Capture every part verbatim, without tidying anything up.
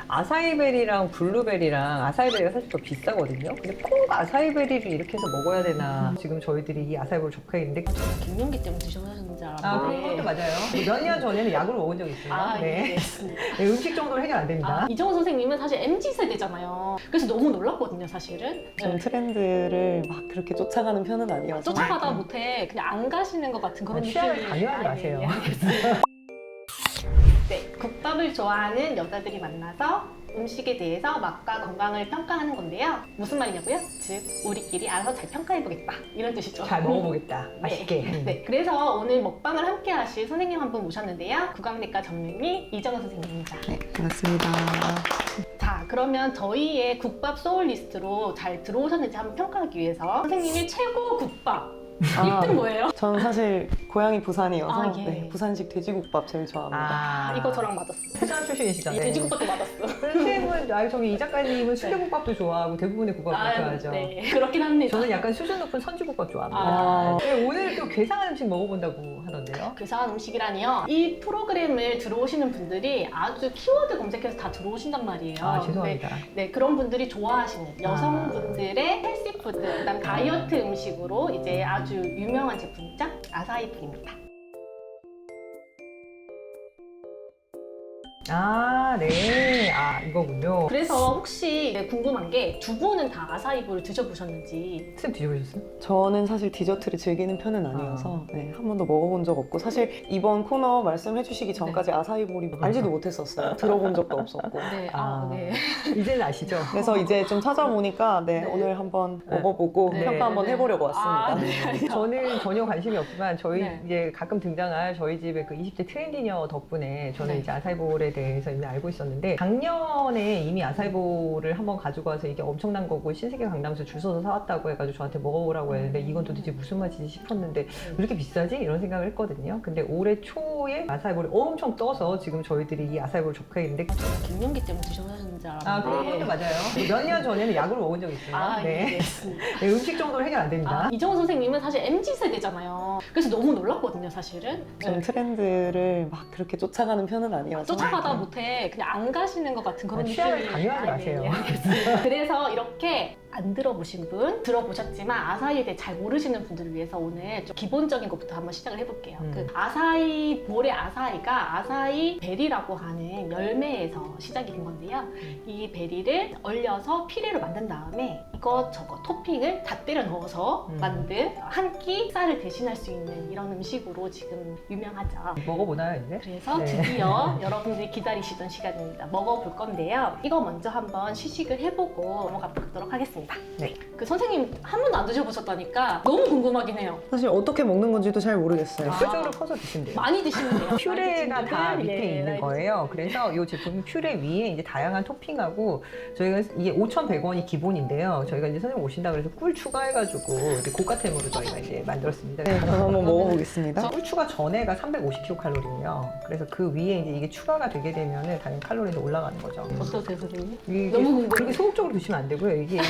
아사이베리랑 블루베리랑 아사이베리가 사실 더 비싸거든요. 근데 꼭 아사이베리를 이렇게 해서 먹어야 되나. 지금 저희들이 이 아사이베리를 접해 있는데 갱년기 때문에 드셔보셨는지 아, 알았는데. 그런 것도 맞아요. 몇 년 전에는 약을 먹은 적이 있어요. 아, 네. 예. 네, 음식 정도로 해결 안 됩니다. 아, 이정훈 선생님은 사실 엠지 세대잖아요. 그래서 너무 놀랐거든요, 사실은. 좀 트렌드를 막 그렇게 쫓아가는 편은 아니어서 쫓아가다 못해 그냥 안 가시는 것 같은 그런 아, 취향을 느낌이. 강요하지 아, 마세요. 예, 예, 알겠습니다. 네, 국밥을 좋아하는 여자들이 만나서 음식에 대해서 맛과 건강을 평가하는 건데요. 무슨 말이냐고요? 즉, 우리끼리 알아서 잘 평가해보겠다. 이런 뜻이죠. 잘 먹어보겠다. 맛있게. 네. 네, 그래서 오늘 먹방을 함께 하실 선생님 한 분 모셨는데요. 구강내과 전문의 이정은 선생님입니다. 네, 반갑습니다. 자, 그러면 저희의 국밥 소울리스트로 잘 들어오셨는지 한번 평가하기 위해서 선생님이 최고 국밥 아, 일 등 뭐예요? 저는 사실 고향이 부산이어서 아, 예. 네, 부산식 돼지국밥 제일 좋아합니다. 아, 이거 저랑 맞았어. 부산 출신이시잖아요. 이 돼지국밥도 맞았어. 선생님은, 아, 저기 이 작가님은 순대국밥도 좋아하고 대부분의 국밥도 아, 좋아하죠. 네, 그렇긴 합니다. 저는 약간 수준 높은 선지국밥 좋아합니다. 아. 네, 오늘 또 괴상한 음식 먹어본다고 하던데요. 괴상한 음식이라니요. 이 프로그램을 들어오시는 분들이 아주 키워드 검색해서 다 들어오신단 말이에요. 아, 죄송합니다. 네, 네, 그런 분들이 좋아하시는 여성분들의 헬시푸드, 그다음 다이어트 음식으로 이제 아주 유명한 제품이죠. 아사히풀입니다. 아, 네. 아, 이거군요. 그래서 혹시 이제 궁금한 게 두 분은 다 아사히볼을 드셔보셨는지. 쌤 드셔보셨어요? 저는 사실 디저트를 즐기는 편은 아니어서 네, 한 번도 먹어본 적 없고 사실 이번 코너 말씀해 주시기 전까지 아사히볼이 알지도 못했었어요. 들어본 적도 없었고. 네, 아, 아. 네. 이제는 아시죠? 그래서 이제 좀 찾아보니까 네, 네. 오늘 한번 네. 먹어보고 네, 평가 한번 네. 해보려고 왔습니다. 아, 네. 저는 전혀 관심이 없지만 저희 네. 이제 가끔 등장할 저희 집의 그 이십 대 트렌디녀 덕분에 저는 네. 이제 아사이볼에 대해서 이미 알고 있었는데 작년에 이미 아사이볼을 한번 가지고 와서 이게 엄청난 거고 신세계 강남에서 줄 서서 사왔다고 해가지고 저한테 먹어보라고 했는데 이건 도대체 무슨 맛이지 싶었는데 왜 이렇게 비싸지? 이런 생각을 했거든요. 근데 올해 초에 아사이볼이 엄청 떠서 지금 저희들이 이 아사이볼을 접해 있는데 갱년기 때문에 드셔보셨는지 알았는데. 아 그런 것도 맞아요. 몇 년 전에는 약을 먹은 적이 있어요. 아, 네. 예. 네, 음식 정도로 해결 안 됩니다. 아, 이정훈 선생님은 사실 엠지 세대잖아요. 그래서 너무 놀랐거든요, 사실은. 좀 네. 트렌드를 막 그렇게 쫓아가는 편은 아니어서 쫓아가다 못해 그냥 안 가시는 것 같은 그런 아, 취향을 느낌이. 강요하지 아, 마세요. 예, 예, 알겠습니다. 그래서 이렇게 안 들어보신 분, 들어보셨지만 아사히에 대해 잘 모르시는 분들을 위해서 오늘 좀 기본적인 것부터 한번 시작을 해볼게요. 음. 그 아사히 볼의 아사히가 아사히 베리라고 하는 열매에서 시작이 된 건데요. 이 베리를 얼려서 피레로 만든 다음에 이것저것 토핑을 다 때려 넣어서 음. 만든 한 끼 쌀을 대신할 수 있는 이런 음식으로 지금 유명하죠. 먹어보나요 이제? 그래서 네. 드디어 여러분들이 기다리시던 시간입니다. 먹어볼 건데요. 이거 먼저 한번 시식을 해보고 넘어가 보도록 하겠습니다. 네. 그 선생님 한 번도 안 드셔보셨다니까 너무 궁금하긴 해요. 사실 어떻게 먹는 건지도 잘 모르겠어요. 아. 뾰족으로 퍼서 드시면 돼요. 많이 드시면 돼요. 퓨레가 많이 다 드시면 밑에 돼요. 예, 있는 많이 거예요. 그래서 이 제품 퓨레 위에 이제 다양한 토핑하고 저희가 이게 오천백 원이 기본인데요. 저희가 이제 선생님 오신다 그래서 꿀 추가해가지고 이렇게 고가템으로 저희가 이제 만들었습니다. 네, 그럼 한번 먹어보겠습니다. 꿀 추가 전에가 삼백오십 킬로칼로리거든요. 그래서 그 위에 이제 이게 추가가 되게 되면은 당연히 칼로리도 올라가는 거죠. 어떠세요, 선생님? 이게 너무 궁금해요. 그렇게 소극적으로 드시면 안 되고요. 이게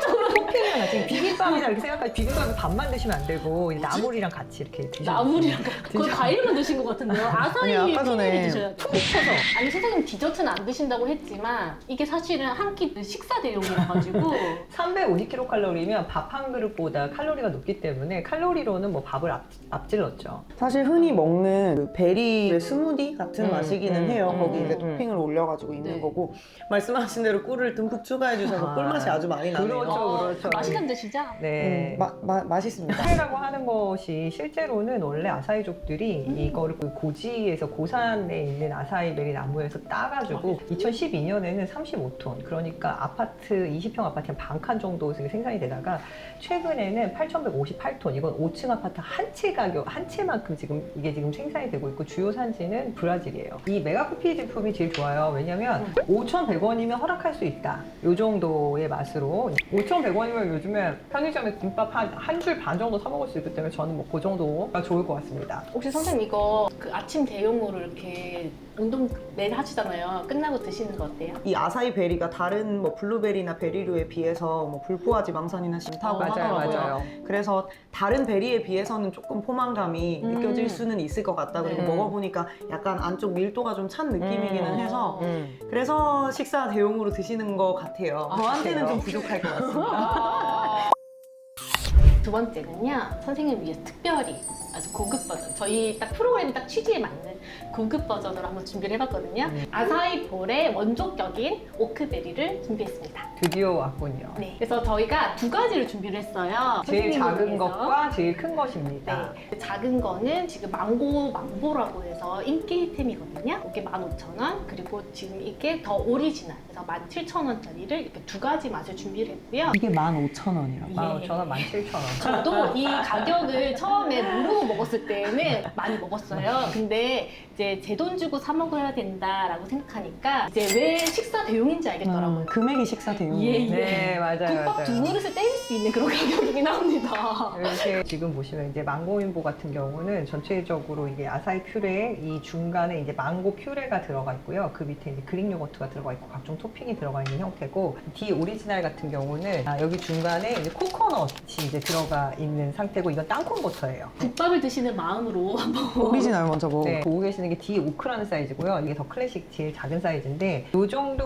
토핑이 하나 지금 비빔밥이나 이렇게 생각하지 비빔밥은 밥만 드시면 안 되고 이제 나물이랑 같이 이렇게 드시면 나물이랑 거의 드셔- 과일만 드신 것 같은데요. 아사히 아니, 아까 전에 피레를 드셔야죠. 푹 쳐서 아니 선생님 디저트는 안 드신다고 했지만 이게 사실은 한 끼 식사 대용이라 가지고 삼백오십 킬로칼로리면 밥 한 그릇보다 칼로리가 높기 때문에 칼로리로는 뭐 밥을 앞, 앞질렀죠. 사실 흔히 먹는 그 베리 스무디 같은 음, 맛이기는 음, 해요. 음, 거기 이제 음. 토핑을 올려가지고 있는 네. 거고 말씀하신 대로 꿀을 듬뿍 추가해 주셔서 아, 꿀맛이 아주 많이 나네요. 그렇죠. 어, 그렇죠. 맛있는 듯이죠? 네. 음, 마, 마, 맛있습니다. 아사히라고 하는 것이 실제로는 원래 아사히족들이 음. 이거를 그 고지에서 고산에 있는 아사히베리 나무에서 따가지고 이천십이 년에는 삼십오 톤, 그러니까 아파트 이십 평 아파트 한 반 칸 정도 생산이 되다가 최근에는 팔천백오십팔 톤, 이건 오 층 아파트 한 채 가격, 한 채만큼 지금 이게 지금 생산이 되고 있고 주요 산지는 브라질이에요. 이 메가쿠피 제품이 제일 좋아요. 왜냐면 오천백 원이면 허락할 수 있다. 이 정도의 맛으로 오천백 원이면 왜냐면 요즘에 편의점에 김밥 한 한 줄 반 정도 사 먹을 수 있기 때문에 저는 뭐 그 정도가 좋을 것 같습니다. 혹시 선생님 이거 그 아침 대용으로 이렇게 운동 매일 하시잖아요. 끝나고 드시는 거 어때요? 이 아사이 베리가 다른 뭐 블루베리나 베리류에 비해서 뭐 불포화 지방산이나 싫다고 어, 맞아요, 하더라고요. 맞아요. 그래서 다른 베리에 비해서는 조금 포만감이 음. 느껴질 수는 있을 것 같다. 그리고 네. 먹어보니까 약간 안쪽 밀도가 좀 찬 느낌이기는 음. 해서 음. 그래서 식사 대용으로 드시는 것 같아요. 아, 저한테는 그래요? 좀 부족할 것 같습니다. 아. 두 번째는요, 선생님 위해서 특별히 아주 고급 버전, 저희 딱 프로그램 딱 취지에 맞는 고급 버전으로 한번 준비를 해봤거든요. 음. 아사히 볼의 원조격인 오크베리를 준비했습니다. 드디어 왔군요. 네, 그래서 저희가 두 가지를 준비를 했어요. 제일 선생님을 작은 위해서. 것과 제일 큰 것입니다. 네, 작은 거는 지금 망고 망보라고 해서 인기템이거든요. 이게 만 오천 원, 그리고 지금 이게 더 오리지널, 그래서 만 칠천 원짜리를 이렇게 두 가지 맛을 준비를 했고요. 이게 만 오천 원이라고. 만 오천 원, 만 칠천 원. 저도 이 가격을 처음에 모르고 먹었을 때는 많이 먹었어요. 근데 이제 제 돈 주고 사 먹어야 된다라고 생각하니까 이제 왜 식사 대용인지 알겠더라고요. 음, 금액이 식사 대용. 예, 예. 네, 맞아요, 국밥 두 맞아요. 그릇을 때릴 수 있는 그런 가격이긴 합니다. 이렇게 지금 보시면 이제 망고인보 같은 경우는 전체적으로 이게 아사히 퓨레 이 중간에 이제 망고 퓨레가 들어가 있고요. 그 밑에 이제 그릭 요거트가 들어가 있고 각종 토핑이 들어가 있는 형태고, 디 오리지널 같은 경우는 아, 여기 중간에 이제 코코넛이 이제 들어가 있는 상태고, 이건 땅콩 버터예요. 국밥을 드시는 마음으로 한번 오리지널 먼저 먹어. 네, 보고 계시는 게 디 오크라는 사이즈고요. 이게 더 클래식 제일 작은 사이즈인데, 이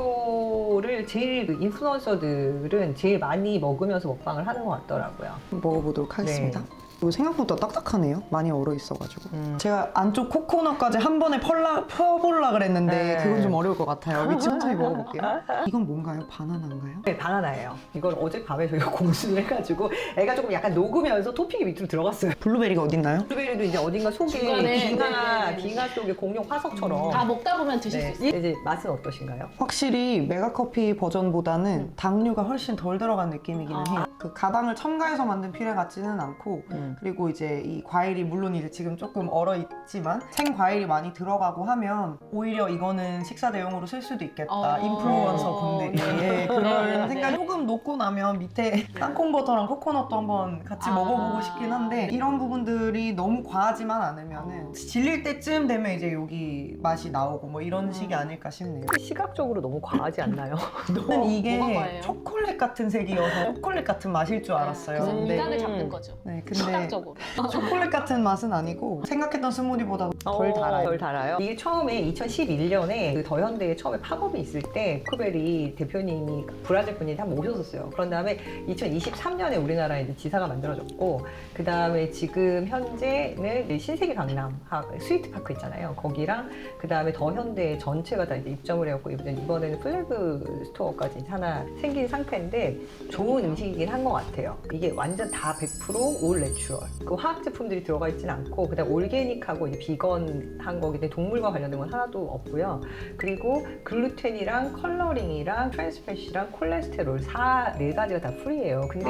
정도를 제일 그 인플루언서들은 제일 많이 먹으면서 먹방을 하는 것 같더라고요. 먹어보도록 하겠습니다. 네. 이거 생각보다 딱딱하네요. 많이 얼어 있어가지고. 음. 제가 안쪽 코코넛까지 한 번에 펄라, 펴보려고 그랬는데 네. 그건 좀 어려울 것 같아요. 여기 천천히 먹어볼게요. 이건 뭔가요? 바나나인가요? 네, 바나나예요. 이걸 어젯밤에 저희가 공수를 해가지고 애가 조금 약간 녹으면서 토핑이 밑으로 들어갔어요. 블루베리가 어딨나요? 블루베리도 이제 어딘가 속에 중간에, 빙하, 네, 네, 네. 빙하 속에 공룡 화석처럼. 다 먹다 보면 드실 네. 수 있어요. 이제 맛은 어떠신가요? 확실히 메가커피 버전보다는 음. 당류가 훨씬 덜 들어간 느낌이기는 아. 해요. 그 가당을 첨가해서 만든 퓨레 같지는 않고 음. 그리고 이제 이 과일이 물론 이제 지금 조금 얼어 있지만 생 과일이 많이 들어가고 하면 오히려 이거는 식사 대용으로 쓸 수도 있겠다. 어. 인플루언서 분들이 네. 그런 생각이 조금 녹고 나면 밑에 땅콩 버터랑 코코넛도 한번 같이 아. 먹어보고 싶긴 한데 이런 부분들이 너무 과하지만 않으면은 질릴 때쯤 되면 이제 여기 맛이 나오고 뭐 이런 식이 아닐까 싶네요. 시각적으로 너무 과하지 않나요? 저는 이게 뭐가 과해요? 초콜릿 같은 색이어서 초콜릿 같은 맛일 줄 알았어요. 그래서 근데, 미각을 잡는 거죠. 네, 근데 시각적으로. 초콜릿 같은 맛은 아니고 생각했던 스무디보다 덜 어, 달아요. 덜 달아요. 이게 처음에 이천십일 년에 그 더현대에 처음에 팝업이 있을 때 쿠베리 대표님이 브라질 분이 한번 오셨었어요. 그런 다음에 이천이십삼 년에 우리나라에 이제 지사가 만들어졌고, 그 다음에 지금 현재는 이제 신세계 강남 스위트파크 있잖아요. 거기랑 그 다음에 더현대 전체가 다 이제 입점을 해갖고 이번에는 플래그 스토어까지 하나 생긴 상태인데 좋은 음식이긴 한 것 같아요. 이게 완전 다 백 퍼센트 올 내추럴. 그 화학 제품들이 들어가 있지는 않고 그다음 올게닉하고 이제 비건한 거기 때문에 동물과 관련된 건 하나도 없고요. 그리고 글루텐이랑 컬러링이랑 트랜스패시랑 콜레스테롤 사 네 가지가 다 프리예요. 근데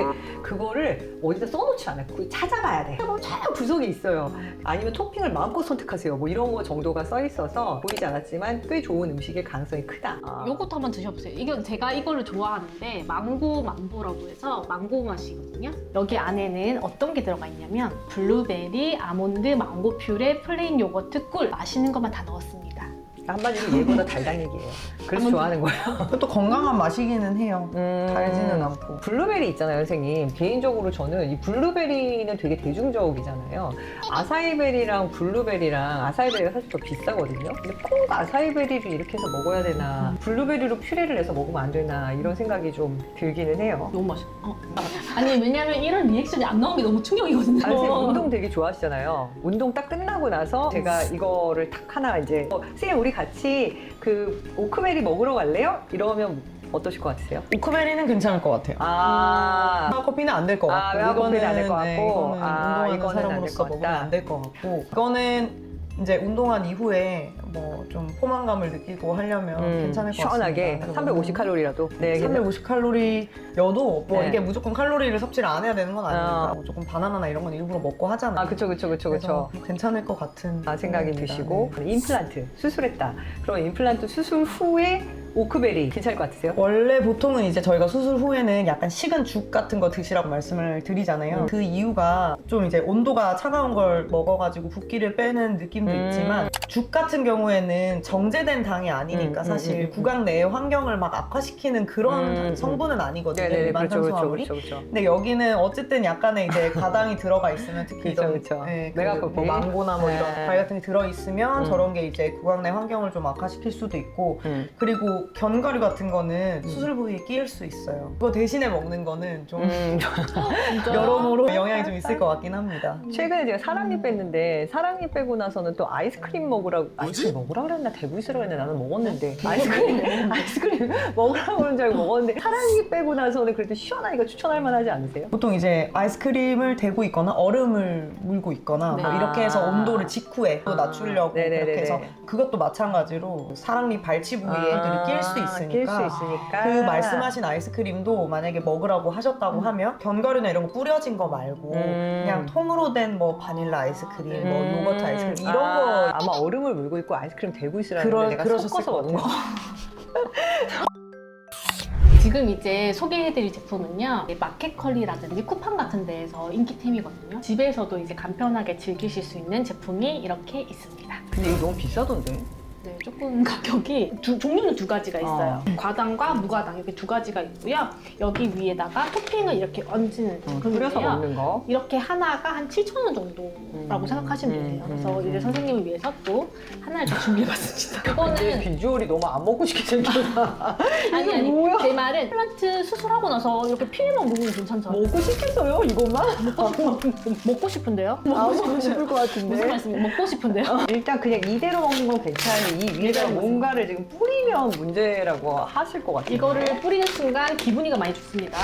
그거를 어디다 써놓지 않아요. 그거 찾아봐야 돼. 찾아보면 쫙 구석에 있어요. 아니면 토핑을 마음껏 선택하세요. 뭐 이런 거 정도가 써 있어서 보이지 않았지만 꽤 좋은 음식일 가능성이 크다. 아. 요것도 한번 드셔보세요. 이건 제가 이거를 좋아하는데 망고 망보라고 해서 망고 맛이거든요. 여기 안에는 어떤 게 들어가 있냐면 블루베리, 아몬드, 망고 퓨레, 플레인 요거트, 꿀 맛있는 것만 다 넣었습니다. 한마디로 얘보다 달달얘기예요. 그래서 좋아하는 거예요. 그것도 건강한 맛이기는 해요. 음. 달지는 않고. 블루베리 있잖아요, 선생님. 개인적으로 저는 이 블루베리는 되게 대중적이잖아요. 아사이베리랑 블루베리랑 아사이베리가 사실 더 비싸거든요. 근데 꼭 아사이베리를 이렇게 해서 먹어야 되나, 블루베리로 퓨레를 내서 먹으면 안 되나 이런 생각이 좀 들기는 해요. 너무 맛있어. 어. 아니 왜냐면 이런 리액션이 안 나온 게 너무 충격이거든요. 아니, 선생님 운동 되게 좋아하시잖아요. 운동 딱 끝나고 나서 제가 이거를 딱 하나 이제 어, 선생님 우리 같이 그 오크베리 먹으러 갈래요? 이러면 어떠실 것 같으세요? 오크베리는 괜찮을 것 같아요. 아, 메가커피는 안 될 것 아, 같고 메가커피는 안될것 네, 같고. 이거는 아, 운동하는 이거는 안될 사람으로서 것 먹으면 같다. 안 될 것 같고 이거는 이제 운동한 이후에 뭐 좀 포만감을 느끼고 하려면 괜찮을 것 음, 시원하게 같습니다. 삼백오십 칼로리라도. 네, 삼백오십 칼로리여도 뭐 네. 이게 무조건 칼로리를 섭취를 안 해야 되는 건 아니니까 어. 뭐 조금 바나나나 이런 건 일부러 먹고 하잖아요. 아, 그쵸, 그쵸, 그쵸, 그쵸. 그래서 괜찮을 것 같은 아, 생각이 생각입니다. 드시고 네. 임플란트 수술했다. 그럼 임플란트 수술 후에 오크베리 괜찮을 것 같으세요? 원래 보통은 이제 저희가 수술 후에는 약간 식은 죽 같은 거 드시라고 말씀을 드리잖아요. 음. 그 이유가 좀 이제 온도가 차가운 걸 먹어가지고 붓기를 빼는 느낌도 음. 있지만 죽 같은 경우에는 정제된 당이 아니니까 음, 사실 음, 음, 음. 구강 내의 환경을 막 악화시키는 그런 음, 성분은 아니거든요. 네네, 일반 그렇죠, 그렇죠, 탄수화물이. 그렇죠, 그렇죠. 근데 여기는 어쨌든 약간의 이제 가당이 들어가 있으면 특히 그렇죠, 이런 그렇죠. 네, 그 메가커피. 뭐 망고나 뭐 이런 네. 과일 같은 게 들어있으면 음. 저런 게 이제 구강 내 환경을 좀 악화시킬 수도 있고 음. 그리고 견과류 같은 거는 음. 수술 부위에 끼일 수 있어요. 그거 대신에 먹는 거는 좀 음. 진짜? 여러모로 영향이 좀 있을 것 같긴 합니다. 최근에 제가 사랑니 뺐는데 사랑니 빼고 나서는 또 아이스크림 먹으라고 아이스크림 먹으라고 그랬나 대부이스라고 그랬나 나는 먹었는데 아이스크림 아이스크림 먹으라고 그런 줄 알고 먹었는데 사랑니 빼고 나서는 그래도 시원하니까 추천할 만하지 않으세요? 보통 이제 아이스크림을 대고 있거나 얼음을 물고 있거나 네. 뭐 이렇게 해서 아. 온도를 직후에 또 아. 낮추려고 네네네네. 그렇게 해서 그것도 마찬가지로 사랑니 발치 부위에 애들이 낄 수 있으니까 낄 수 있으니까 그 말씀하신 아이스크림도 만약에 먹으라고 하셨다고 하면 견과류나 이런 거 뿌려진 거 말고 음. 그냥 통으로 된 뭐 바닐라 아이스크림, 뭐 음. 요거트 아이스크림 이런 아, 거 아마 얼음을 물고 있고 아이스크림 대고 있으라는 그러- 걸 내가 그러셨을 섞어서 것 먹는 거. 지금 이제 소개해드릴 제품은요, 마켓컬리라든지 쿠팡 같은 데에서 인기템이거든요. 집에서도 이제 간편하게 즐기실 수 있는 제품이 이렇게 있습니다. 근데 이거 너무 비싸던데? 네, 조금 가격이 두, 종류는 두 가지가 있어요. 어. 과당과 무과당 이렇게 두 가지가 있고요. 여기 위에다가 토핑을 이렇게 얹는 어, 뿌려서 제품인데요. 먹는 거. 이렇게 하나가 한 칠천 원 정도라고 음, 생각하시면 음, 돼요. 그래서 음, 이제 음. 선생님을 위해서 또 하나를 더 준비해봤습니다. 근데 이거는 비주얼이 너무 안 먹고 싶게 생겼다. 아니 이게 아니 뭐야? 제 말은 플란트 수술하고 나서 이렇게 피해만 먹으면 괜찮잖아요. 먹고 싶겠어요, 이것만? 먹고 싶은데요? 아, 먹고 싶을 것 같은데. 무슨 말씀이에요? 먹고 싶은데요? 일단 그냥 이대로 먹는 건 괜찮은데 이 위에다가 이대로 뭔가를 지금 뿌리면 문제라고 하실 것 같아요. 이거를 뿌리는 순간 기분이가 많이 좋습니다.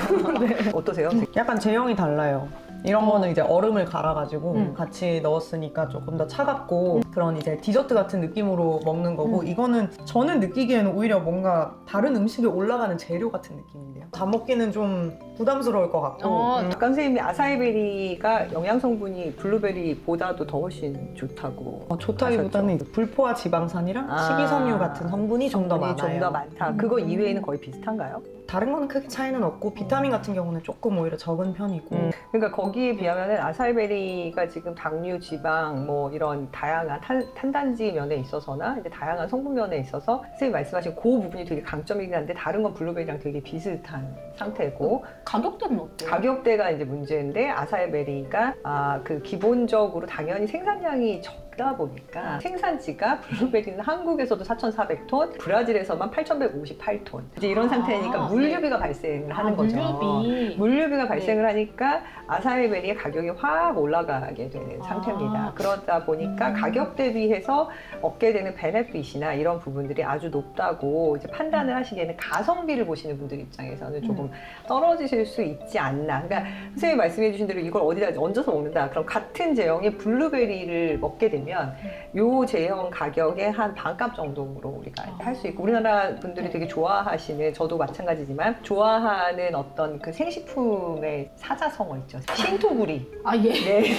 네. 어떠세요? 약간 제형이 달라요. 이런 어. 거는 이제 얼음을 갈아가지고 음. 같이 넣었으니까 조금 더 차갑고 그런 이제 디저트 같은 느낌으로 먹는 거고 음. 이거는 저는 느끼기에는 오히려 뭔가 다른 음식에 올라가는 재료 같은 느낌인데요. 다 먹기는 좀 부담스러울 것 같고 어, 음. 아까 선생님이 아사이베리가 영양 성분이 블루베리보다도 더 훨씬 좋다고. 어, 좋다기보다는 이제 불포화 지방산이랑 아. 식이섬유 같은 성분이 좀 더 많아요. 좀 더 많다. 그거 이외에는 거의 비슷한가요? 다른 거는 크게 차이는 없고 비타민 같은 경우는 조금 오히려 적은 편이고 음, 그러니까 거기에 비하면은 아사이베리가 지금 당류, 지방, 뭐 이런 다양한 탄, 탄단지 면에 있어서나 이제 다양한 성분 면에 있어서 선생님 말씀하신 그 부분이 되게 강점이긴 한데 다른 건 블루베리랑 되게 비슷한 상태고 가격대는 어때요? 가격대가 이제 문제인데 아사이베리가 아, 그 기본적으로 당연히 생산량이 적다 보니까 생산지가 블루베리는 한국에서도 사천사백 톤, 브라질에서만 팔천백오십팔 톤 이제 이런 아, 상태니까 물류비가 발생을 하는 아, 거죠. 물류비. 물류비가 발생을 하니까 아사이베리의 가격이 확 올라가게 되는 아. 상태입니다. 그러다 보니까 음. 가격 대비해서 얻게 되는 베네핏이나 이런 부분들이 아주 높다고 이제 판단을 하시기에는 가성비를 보시는 분들 입장에서는 조금 음. 떨어지실 수 있지 않나. 그러니까 선생님이 말씀해 주신 대로 이걸 어디다 얹어서 먹는다. 그럼 같은 제형의 블루베리를 먹게 되면 요 제형 가격의 한 반값 정도로 우리가 할 수 있고 우리나라 분들이 되게 좋아하시는 저도 마찬가지지만 좋아하는 어떤 그 생식품의 사자성어 있죠. 신토부리. 아 예.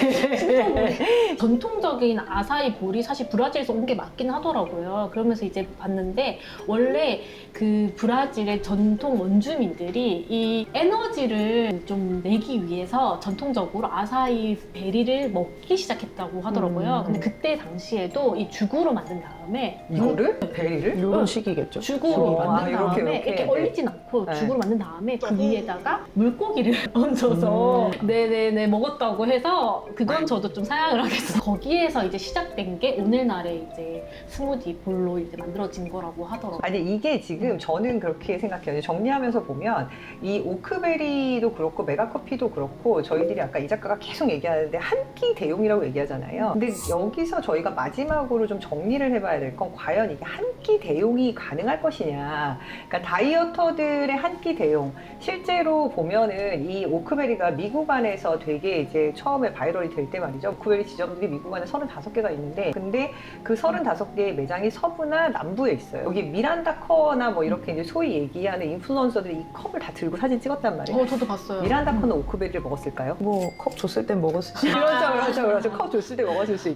네. 전통적인 아사이 볼이 사실 브라질에서 온 게 맞긴 하더라고요. 그러면서 이제 봤는데 원래 그 브라질의 전통 원주민들이 이 에너지를 좀 내기 위해서 전통적으로 아사이 베리를 먹기 시작했다고 하더라고요. 음. 근데 그때 당시에도 이 죽으로 만든 다음에 이거를? 베리를? 이런 식이겠죠. 죽으로 어, 만든 아, 다음에 이렇게, 이렇게, 이렇게. 얼리진 않고 네. 죽으로 만든 다음에 그 위에다가 물고기를 얹어서 음. 네네네 먹었다고 해서 그건 저도 좀 사양을 하겠어요. 거기에서 이제 시작된 게 오늘날의 이제 스무디 볼로 이제 만들어진 거라고 하더라고요. 아니 이게 지금 저는 그렇게 생각해요. 정리하면서 보면 이 오크베리도 그렇고 메가커피도 그렇고 저희들이 아까 이 작가가 계속 얘기하는데 한 끼 대용이라고 얘기하잖아요. 근데 여기서 저희가 마지막으로 좀 정리를 해봐야 될 건 과연 이게 한 끼 대용이 가능할 것이냐. 그러니까 다이어터들의 한 끼 대용. 실제로 보면은 이 오크베리가 미국 안에서 되게 이제 처음에 바이럴이 될 때 말이죠. 오크베리 지점들이 미국 안에 서른다섯 개가 있는데 근데 그 서른다섯 개의 매장이 서부나 남부에 있어요. 여기 미란다 커나 뭐 이렇게 이제 소위 얘기하는 인플루언서들이 이 컵을 다 들고 사진 찍었단 말이에요. 어, 저도 봤어요. 미란다 커는 오크베리를 먹었을까요? 뭐 컵 줬을 땐 먹었을 수 그렇죠, 그렇죠, 그렇죠. 컵 줬을 때 먹었을 수 있겠죠.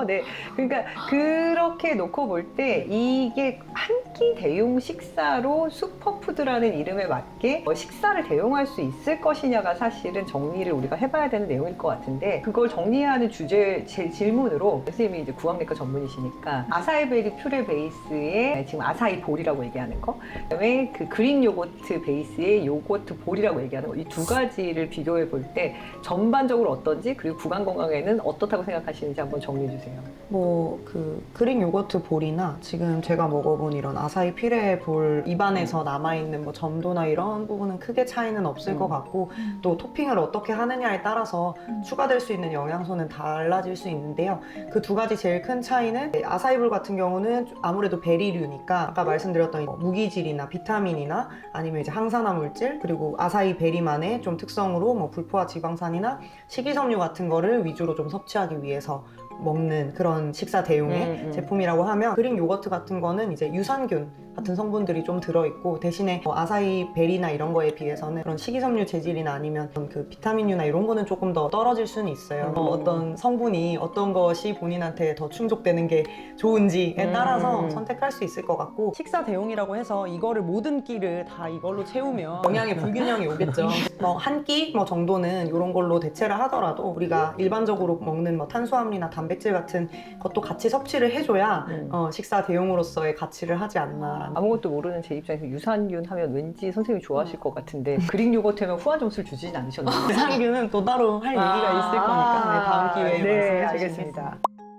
네. 그러니까 그렇게 놓고 볼 때 이게 한 끼 대용 식사로 슈퍼푸드라는 이름에 맞게 식사를 대용할 수 있을 것이냐가 사실은 정리를 우리가 해봐야 되는 내용일 것 같은데, 그걸 정리하는 주제 제 질문으로 선생님이 이제 구강내과 전문이시니까 아사이베리 퓨레 베이스에 지금 아사이 볼이라고 얘기하는 거, 그다음에 그 그릭 요거트 베이스의 요거트 볼이라고 얘기하는 거, 이 두 가지를 비교해 볼 때 전반적으로 어떤지, 그리고 구강 건강에는 어떻다고 생각하시는지 한번 정리해 주세요. 뭐 그 그릭 요거트 볼이나 지금 제가 먹어본 이런 아사히 피레 볼 입안에서 남아있는 뭐 점도나 이런 부분은 크게 차이는 없을 음. 것 같고, 또 토핑을 어떻게 하느냐에 따라서 추가될 수 있는 영양소는 달라질 수 있는데요. 그 두 가지 제일 큰 차이는, 아사히 볼 같은 경우는 아무래도 베리류니까 아까 말씀드렸던 뭐 무기질이나 비타민이나 아니면 이제 항산화 물질, 그리고 아사히 베리만의 좀 특성으로 뭐 불포화 지방산이나 식이섬유 같은 거를 위주로 좀 섭취하기 위해서 먹는 그런 식사 대용의 음, 음. 제품이라고 하면, 그릭 요거트 같은 거는 이제 유산균 같은 성분들이 좀 들어있고, 대신에 뭐 아사히 베리나 이런 거에 비해서는 그런 식이섬유 재질이나 아니면 그 비타민류나 이런 거는 조금 더 떨어질 수는 있어요. 음. 어, 어떤 성분이 어떤 것이 본인한테 더 충족되는 게 좋은지에 음. 따라서 선택할 수 있을 것 같고, 식사 대용이라고 해서 이거를 모든 끼를 다 이걸로 채우면 영양의 불균형이 오겠죠. 뭐 한 끼 뭐 정도는 이런 걸로 대체를 하더라도 우리가 일반적으로 먹는 뭐 탄수화물이나 단백질 같은 것도 같이 섭취를 해줘야 음. 어, 식사 대용으로서의 가치를 하지 않나. 아무것도 모르는 제 입장에서 유산균 하면 왠지 선생님이 좋아하실 것 같은데, 그릭 요거트 하면 후한 점수를 주진 않으셨나요? 유산균은 또 따로 할 얘기가 있을 거니까 네, 다음 기회에 네, 말씀해 알겠습니다. 주시겠습니다.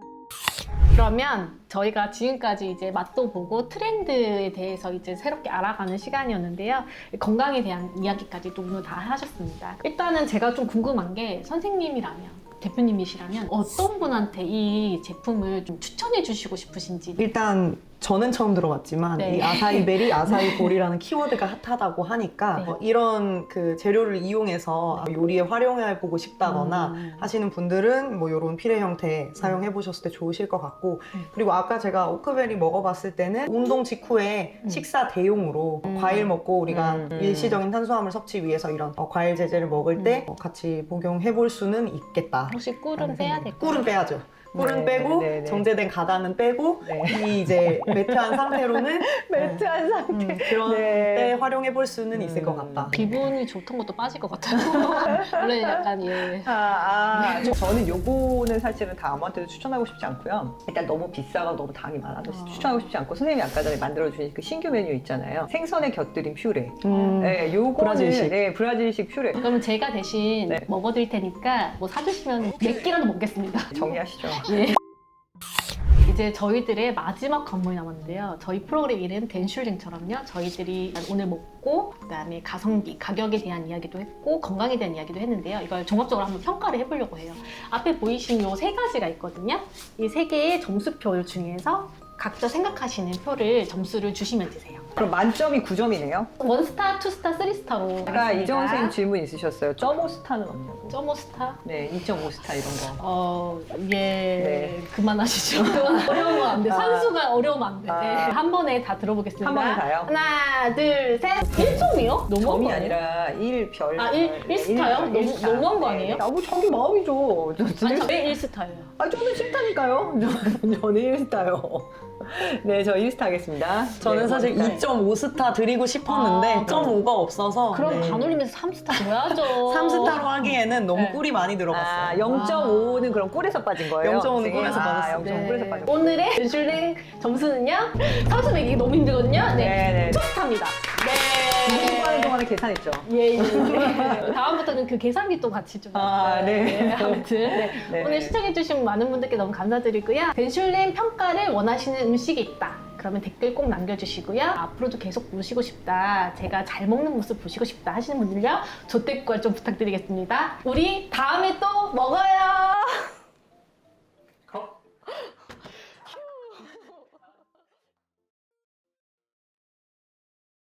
그러면 저희가 지금까지 이제 맛도 보고 트렌드에 대해서 이제 새롭게 알아가는 시간이었는데요. 건강에 대한 이야기까지도 오늘 다 하셨습니다. 일단은 제가 좀 궁금한 게, 선생님이라면, 대표님이시라면 어떤 분한테 이 제품을 좀 추천해 주시고 싶으신지. 일단 저는 처음 들어봤지만 네. 이 아사히 베리, 아사히 볼이라는 키워드가 핫하다고 하니까 네. 어, 이런 그 재료를 이용해서 요리에 활용해 보고 싶다거나 음. 하시는 분들은 뭐 이런 피레 형태 사용해 보셨을 때 좋으실 것 같고, 음. 그리고 아까 제가 오크베리 먹어봤을 때는 운동 직후에 음. 식사 대용으로 음. 과일 먹고 우리가 음. 일시적인 탄수화물 섭취 위해서 이런 어, 과일 제제를 먹을 때 음. 어, 같이 복용해 볼 수는 있겠다. 혹시 꿀은 빼야 될까요? 꿀은 빼야죠. 꿀은 네, 빼고 네, 네. 정제된 가당은 빼고 네. 이 이제 매트한 상태로는 매트한 상태. 음, 그런 네. 때 활용해 볼 수는 있을 것 음. 같다. 기분이 좋던 것도 빠질 것 같아요. 원래 약간 예. 아, 아. 저는 요거는 사실은 다 아무한테도 추천하고 싶지 않고요. 일단 너무 비싸고 너무 당이 많아서 어. 추천하고 싶지 않고, 선생님이 아까 전에 만들어주신 그 신규 메뉴 있잖아요. 생선에 곁들인 퓨레. 음. 네, 요거는 브라질식. 네, 브라질식 퓨레. 그러면 제가 대신 네. 먹어드릴 테니까 뭐 사주시면 몇 끼라도 먹겠습니다. 정리하시죠. 예. 이제 저희들의 마지막 관문이 남았는데요. 저희 프로그램 이름 댄슐링처럼요. 저희들이 오늘 먹고, 그다음에 가성비, 가격에 대한 이야기도 했고, 건강에 대한 이야기도 했는데요. 이걸 종합적으로 한번 평가를 해보려고 해요. 앞에 보이신 요 세 가지가 있거든요. 이 세 개의 점수표 중에서 각자 생각하시는 표를 점수를 주시면 되세요. 그럼 만점이 구 점이네요. 원스타, 투스타, 쓰리스타로. 아까 이정은 선생님 질문 있으셨어요. 점오 스타는 없냐고. 점오 스타? 네, 이 점 오 스타 이런 거. 어, 예. 네. 그만하시죠. 어려운 거 안 돼. 아. 산수가 어려우면 안 돼. 아. 네. 한 번에 다 들어보겠습니다. 한 번에 다요? 하나, 둘, 셋. 일 점이요? 너무한 점이 거 아니에요? 아니라 일 별. 아, 일- 일 스타요? 너무- 너무한 거 아니에요? 아, 뭐 자기 마음이죠. 저- 아니, 왜 일 스타예요? 아, 저는 싫다니까요. 저- 저는 일 스타요. 네, 저 일 스타 하겠습니다. 저는 네, 사실 일 스타. 이 점 오 스타 드리고 싶었는데 아, 점 오가 없어서 그럼 네. 반올림에서 삼 스타 줘야죠. 삼 스타로 하기에는 너무 네. 꿀이 많이 들어갔어요. 아, 영 점 오는 그럼 꿀에서 빠진 거예요? 네. 영 점 오는 꿀에서 아, 빠졌어요. 영 점 오 꿀에서 빠진 거예요. 오늘의 댄슐링 점수는요? 삼수 매기기 너무 힘들거든요? 네. 네, 네. 투 스타입니다. 네. 공부하는 동안에 계산했죠. 예, 예, 예. 다음부터는 그 계산기 또 같이 좀. 아, 네. 아무튼. 네. 네. 오늘 시청해주신 많은 분들께 너무 감사드리고요. 댄슐링 평가를 원하시는 음식이 있다. 그러면 댓글 꼭 남겨주시고요. 앞으로도 계속 보시고 싶다. 제가 잘 먹는 모습 보시고 싶다 하시는 분들요. 조댓글 좀 부탁드리겠습니다. 우리 다음에 또 먹어요.